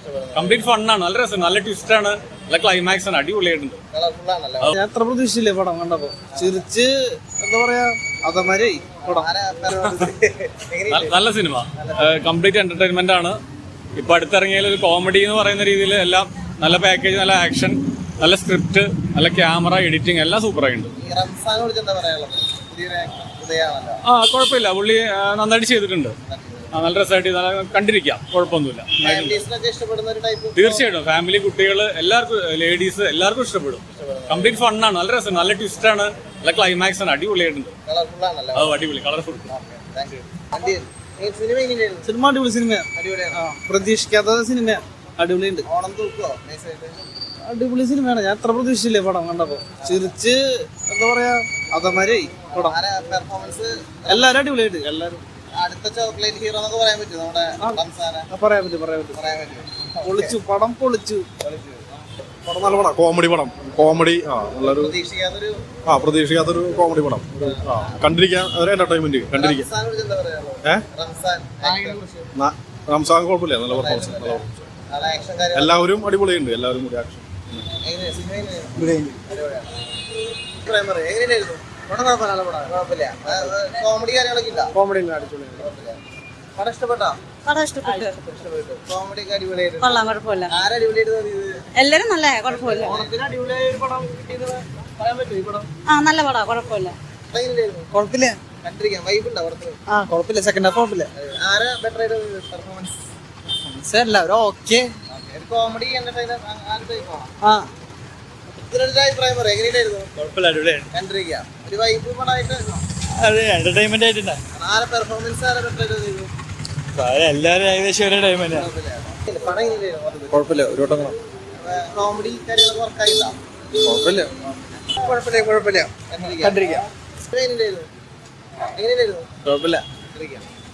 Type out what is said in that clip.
Complete ഫണ്ണാണ്, നല്ല രസം, നല്ല ട്വിസ്റ്റാണ്, നല്ല ക്ലൈമാക്സ് ആണ്, അടിപൊളിയായിട്ടുണ്ട്. ഞാൻ അത്ര പ്രതീക്ഷയില്ലേ പടം കണ്ടപ്പോ, ചിരിച്ച് എന്താ പറയാ അതമാരെ പടം. നല്ല സിനിമ, കംപ്ലീറ്റ് എന്റർടൈൻമെന്റ് ആണ്. ഇപ്പൊ അടുത്തിറങ്ങിയ ഒരു കോമഡി എന്ന് പറയുന്ന രീതിയിൽ എല്ലാം നല്ല പാക്കേജ്, നല്ല ആക്ഷൻ, നല്ല സ്ക്രിപ്റ്റ്, നല്ല ക്യാമറ, എഡിറ്റിംഗ് എല്ലാം സൂപ്പറായിട്ടുണ്ട്. കുഴപ്പമില്ല, പുള്ളി നന്നായിട്ട് ചെയ്തിട്ടുണ്ട്. നല്ല രസമായിട്ട് കണ്ടിരിക്കാം, കുഴപ്പമൊന്നുമില്ല. തീർച്ചയായിട്ടും ഫാമിലി, കുട്ടികൾ, എല്ലാവർക്കും, ലേഡീസ് എല്ലാവർക്കും ഇഷ്ടപ്പെടും. കംപ്ലീറ്റ് ഫണ്ണാണ്, നല്ല രസം, നല്ല ട്വിസ്റ്റാണ്, നല്ല ക്ലൈമാക്സ് ആണ്, അടിപൊളിയായിട്ടുണ്ട്. അടിപൊളി, കളർഫുൾ. സിനിമ അടിപൊളി സിനിമയാണ്, പ്രതീക്ഷിക്കാത്ത സിനിമ, അടിപൊളിയുണ്ട്. അടിപൊളി സിനിമയാണ്, ഞാൻ അത്ര പ്രതീക്ഷിച്ചില്ലേ പടം കണ്ടപ്പോ, ചിരിച്ച് എന്താ പറയാ അതമാരെ പടം. എല്ലാരും അടിപൊളിയായിട്ട്, എല്ലാരും അടുത്ത ചോക്ലേറ്റ് ഹീറോ എന്നൊക്കെ പറയാൻ പറ്റും. നമ്മുടെ പറയാൻ പറ്റും. പൊളിച്ചു പടം, പൊളിച്ചു. പടം നല്ല പടം, കോമഡി പടം, കോമഡി നല്ലൊരു പ്രതീക്ഷിക്കാത്തൊരു കോമഡി പടം. കണ്ടിരിക്കാൻ ഒരു എന്റർടൈൻമെന്റ്, കണ്ടിരിക്കാൻ. റംസാൻ കുഴപ്പമില്ല, നല്ല പെർഫോമൻസ്, എല്ലാവരും അടിപൊളിയുണ്ട്, എല്ലാവരും കൂടി ആക്ഷൻ. കോമഡി കാര്യങ്ങളൊക്കെ ഇല്ല. കോമഡി പടം ഇഷ്ടപ്പെട്ടോ? കോമഡി ഒക്കെ അടിപൊളിയായിട്ട് കൊള്ളാം, കുഴപ്പമില്ല. ആരടിപൊളിയായിട്ട് തോന്നിയത്? എല്ലാരും നല്ല, കുഴപ്പമില്ല. ഓണത്തിന് അടിപൊളിയായ ഒരു പടം കിട്ടിയെന്ന് പറയാൻ പറ്റും. ഈ പടം നല്ല പടാ, കുഴപ്പമില്ല. കുഴപ്പമില്ല, കണ്ടിരിക്കാം. വൈബ് ഉണ്ടോ പുറത്ത്? കുഴപ്പമില്ല. സെക്കൻഡ് ഹാഫ് കുഴപ്പമില്ല. ആരാ ബെറ്റർ ആയിട്ട് പെർഫോമൻസ്? എല്ലാവരും ഓക്കെ. കോമഡി എന്റർടൈനർ ഇതിനൊരു അഭിപ്രായം പറയാം. എങ്ങനെയായിരുന്നു? കണ്ടിരിക്കാം. ഒരു വൈബ് പടമായിട്ട് എന്റർടൈൻമെന്റ് ആയിട്ടുണ്ട്. ആരെ പെർഫോമൻസ് ആരാ ബെറ്റർ ആയിട്ട് തോന്നിയത്? എല്ലാവരും ഏകദേശം ഒരേ ടൈമല്ലേ. പടം എങ്ങനെയായിരുന്നു? കുഴപ്പമില്ല, ഒരു വട്ടം കോമഡി കാര്യങ്ങളൊക്കെ വർക്കായില്ല. കുഴപ്പമില്ല. കണ്ടിരിക്കാം. എങ്ങനെയായിരുന്നു? കുഴപ്പമില്ല. കണ്ടിരിക്കാം.